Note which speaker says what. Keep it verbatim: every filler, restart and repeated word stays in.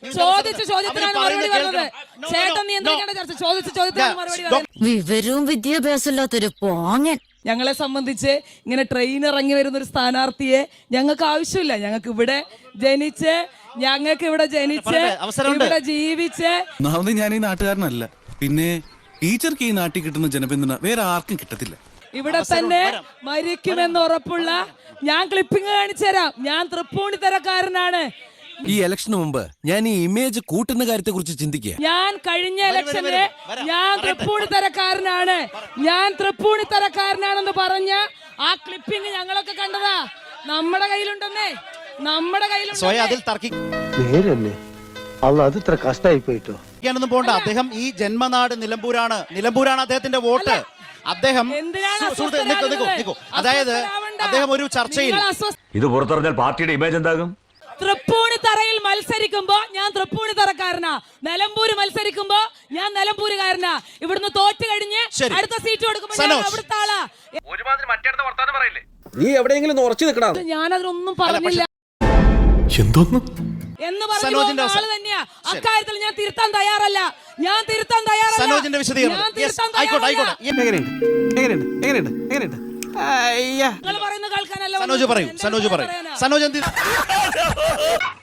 Speaker 1: ചോദിച്ച ചോദ്യത്തിനാണ് മറുപടി പറഞ്ഞത്. ചേട്ടൻ നിയന്ത്രിക്കേണ്ട ചർച്ച. ചോദിച്ച ചോദ്യത്തിനാണ് മറുപടി പറഞ്ഞത്.
Speaker 2: വിവരവും വിദ്യാഭ്യാസമില്ലാത്തൊരു പോങ്ങൻ.
Speaker 1: ഞങ്ങളെ സംബന്ധിച്ച് ഇങ്ങനെ ട്രെയിൻ ഇറങ്ങി വരുന്ന ഒരു സ്ഥാനാർത്ഥിയെ ഞങ്ങൾക്ക് ആവശ്യമില്ല. ഞങ്ങൾക്ക് ഇവിടെ ജനിച്ച് ഞങ്ങൾക്ക് ഇവിടെ ജനിച്ച് ഇവിടെ ജീവിച്ച്
Speaker 3: ഞാൻ ഈ നാട്ടുകാരനല്ല. പിന്നെ ടീച്ചർക്ക് ഈ നാട്ടിൽ കിട്ടുന്ന ജനപിന്തുണ വേറെ ആർക്കും കിട്ടത്തില്ല.
Speaker 1: ഇവിടെ തന്നെ മരിക്കുമെന്ന് ഉറപ്പുള്ള ഞാൻ ക്ലിപ്പിംഗ് കാണിച്ചു തരാം. ഞാൻ തൃപ്പൂണിത്തരക്കാരനാണ്.
Speaker 4: ഈ ഇലക്ഷന് മുമ്പ് ഞാൻ ഈ ഇമേജ് കൂട്ടുന്ന കാര്യത്തെ കുറിച്ച് ചിന്തിക്കുക.
Speaker 1: ഞാൻ കഴിഞ്ഞ ഇലക്ഷനില് ഞാൻ തൃപ്പൂണിത്തരക്കാരനാണ് ഞാൻ തൃപ്പൂണിത്തരക്കാരനാണെന്ന് പറഞ്ഞ ആ ക്ലിപ്പിംഗ് ഞങ്ങളൊക്കെ കണ്ടതാ. നമ്മുടെ കയ്യിലുണ്ടെന്നേ നമ്മുടെ കയ്യിലുണ്ട്.
Speaker 5: അത് ഇത്ര കഷ്ടമായി പോയിട്ടോ.
Speaker 6: പോണ്ട. അദ്ദേഹം ഈ ജന്മനാട് നിലമ്പൂരാണ്. നിലമ്പൂരാണ് അദ്ദേഹത്തിന്റെ വോട്ട്. അദ്ദേഹം അതായത് അദ്ദേഹം ഒരു ചർച്ചയിൽ
Speaker 7: ഇത് പുറത്തറിഞ്ഞാൽ പാർട്ടിയുടെ ഇമേജ് എന്താകും?
Speaker 1: തൃപ്പൂണിത്തറയിൽ മത്സരിക്കുമ്പോ ഞാൻ തൃപ്പൂണിത്തറക്കാരനാ. നിലമ്പൂര് മത്സരിക്കുമ്പോ ഞാൻ നിലമ്പൂരുകാരനാ. ഇവിടുന്ന് തോറ്റ് കഴിഞ്ഞ് അടുത്ത സീറ്റ് കൊടുക്കുമ്പോ അവിടുത്തെ ആളാ.
Speaker 4: നീ എവിടെയെങ്കിലും ഉറച്ചു നിൽക്കണം.
Speaker 1: ഞാനതിനൊന്നും പറഞ്ഞില്ല
Speaker 3: എന്തോന്ന്
Speaker 1: എന്ന് പറഞ്ഞ ആള് തന്നെയാ. അക്കാര്യത്തിൽ ഞാൻ തിരുത്താൻ തയ്യാറല്ല. ഞാൻ തിരുത്താൻ തയ്യാറല്ല.
Speaker 6: സനോജ് പറയൂ. സനോജ് പറയൂ. സനോജ് എന്ത്